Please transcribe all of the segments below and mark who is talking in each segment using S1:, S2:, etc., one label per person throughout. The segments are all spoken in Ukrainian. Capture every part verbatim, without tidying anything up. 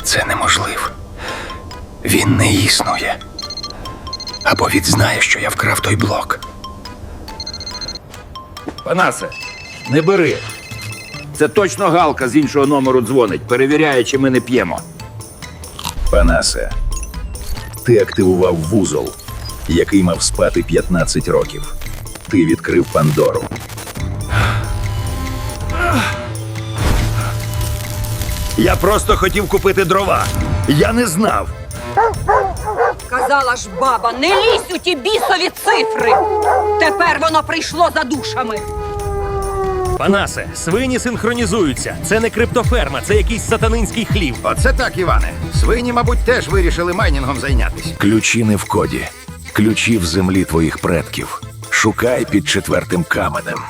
S1: Це неможливо. Він не існує. Або він знає, що я вкрав той блок.
S2: Панасе, не бери. Це точно Галка з іншого номеру дзвонить, перевіряє, чи ми не п'ємо.
S3: Панасе, ти активував вузол, який мав спати п'ятнадцять років. Ти відкрив Пандору.
S4: Я просто хотів купити дрова. Я не знав.
S5: Казала ж баба, не лізь у ті бісові цифри. Тепер воно прийшло за душами.
S6: Панасе, свині синхронізуються. Це не криптоферма, це якийсь сатанинський хлів.
S4: Оце так, Іване. Свині, мабуть, теж вирішили майнінгом зайнятися.
S3: Ключі не в коді. Ключі в землі твоїх предків. Шукай під четвертим каменем.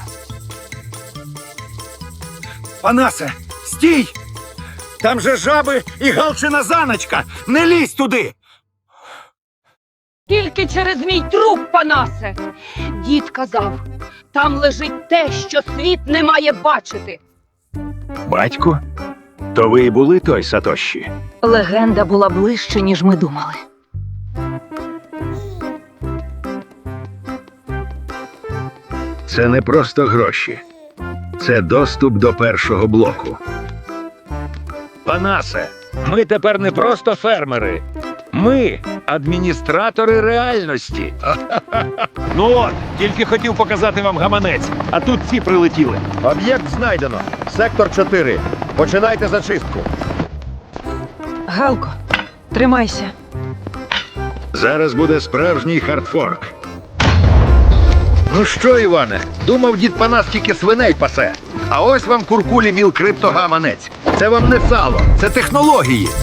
S4: Панасе, стій! Там же жаби і галчина заначка. Не лізь туди!
S5: Тільки через мій труп, Панасе. Дід казав, там лежить те, що світ не має бачити.
S3: Батько? То ви і були той Сатоші?
S5: Легенда була ближче, ніж ми думали.
S3: Це не просто гроші. Це доступ до першого блоку.
S2: Панасе, ми тепер не просто фермери. Ми адміністратори реальності.
S6: Ну от, тільки хотів показати вам гаманець, а тут ці прилетіли.
S7: Об'єкт знайдено. Сектор чотири. Починайте зачистку.
S5: Галко, тримайся.
S3: Зараз буде справжній хардфорк.
S4: Ну що, Іване, думав, дід Панас тільки свиней пасе. А ось вам куркулі міл криптогаманець. Це вам не сало, це технології.